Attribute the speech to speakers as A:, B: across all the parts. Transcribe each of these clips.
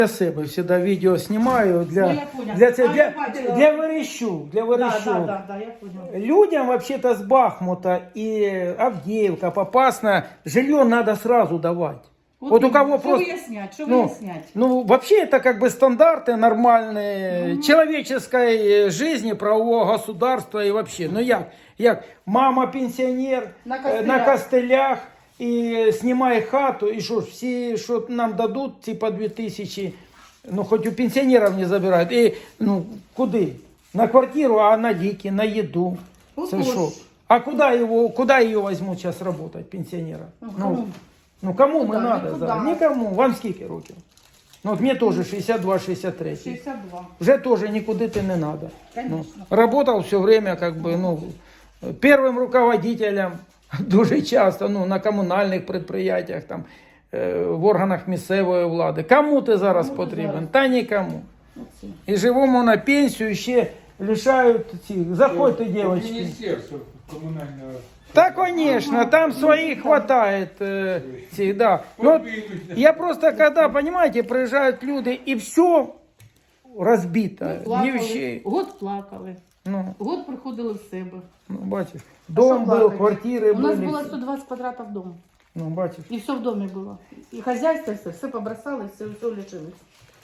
A: Для себе всегда видео снимаю для Верещук.
B: Да, я понял.
A: Людям вообще-то с Бахмута и Авдеевка, Попасная жилье надо сразу давать. Вот у кого просто...
B: Что выяснять?
A: Ну, вообще это как бы стандарты нормальные человеческой жизни, правового государства и вообще. Ну як мама пенсионер на костылях и снимай хату, и что, все, что нам дадут, типа 2000, ну хоть у пенсионеров не забирают. И, ну, куды? На квартиру, а на лики, на еду. А куда ее возьмут сейчас работать, пенсионера? Ну кому мы надо? Никому. Вам скільки років? Ну, вот мне тоже 62-63.
B: 62.
A: Уже тоже никуда ты не надо. Ну, работал все время как бы, ну, первым руководителем дуже часто, ну, на комунальних підприємствах, там, в органах місцевої влади. Кому ти зараз потрібен? Та нікому. І живому на пенсію ще лишають цих. Заходьте, дівчатки.
C: Министерство коммунального...
A: Да, конечно, там своих хватает. Да. Но я просто, когда, понимаете, приезжают люди, и все разбито.
B: Год плакали.
A: Ну,
B: Год приходили в себе.
A: ну, бачишь, дом был, квартиры
B: У нас
A: были.
B: было 120 квадратов дома.
A: Ну, бачишь.
B: И все в доме было. И хозяйство, все побросали, все лишилось.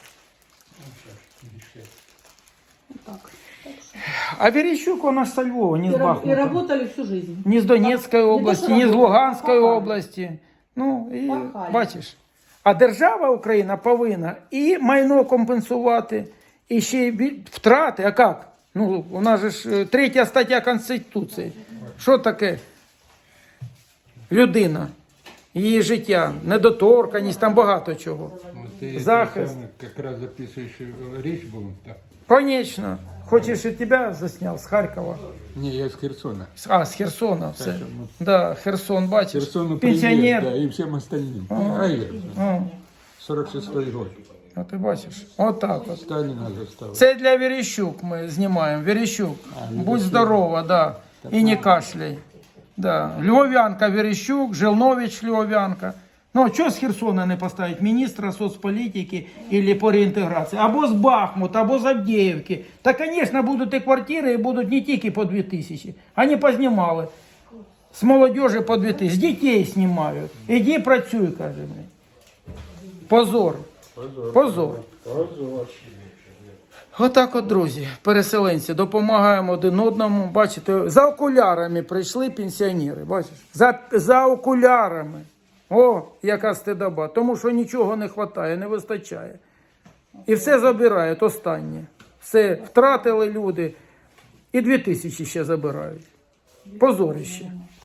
B: Вот так.
A: А Верещук, он аж со Львова, не с
B: И
A: Бахмута.
B: работали всю жизнь.
A: Не с Донецкой области, не с Луганской
B: пахали.
A: области. Ну, і
B: Пахали.
A: бачиш. А держава Україна повинна і майно компенсувати, і ще й втрати. А як? Ну, у нас же ж 3 стаття Конституції. Що таке людина? Її життя, недоторканність, там багато чого.
C: Ты
A: Захист.
C: как раз записываешь речь будем. Так.
A: Конечно. Хочешь, и тебя заснял с Харькова?
C: Не, я из Херсона.
A: А, с Херсона. Все.
C: Так, ну,
A: Да, Херсон, бачиш.
C: Херсону
A: Пенсионер.
C: привет, да, и всем остальным.
A: О,
C: 46-й год.
A: а ти бачиш? Отак от.
C: Сталина застал.
A: Це для Верещук ми знімаємо. Верещук, будь здорова, да. І не кашляй. Да. Львов'янка Верещук, Жилнович Львов'янка. Ну, а чого з Херсона не поставити міністра соцполітики або по реінтеграції? Або з Бахмута, або з Авдіївки. Та, звісно, будуть і квартири, і будуть не тільки по 2000. Вони познімали. З молодежі по 2000. З дітей знімають. Іди працюй, каже мені. Позор. Позор. Отак от, друзі, переселенці, допомагаємо один одному. Бачите, за окулярами прийшли пенсіонери, бачиш? За окулярами. О, яка стидоба. Тому що нічого не вистачає, не вистачає. І все забирають останнє. Все втратили люди. І 2000 ще забирають. Позорище.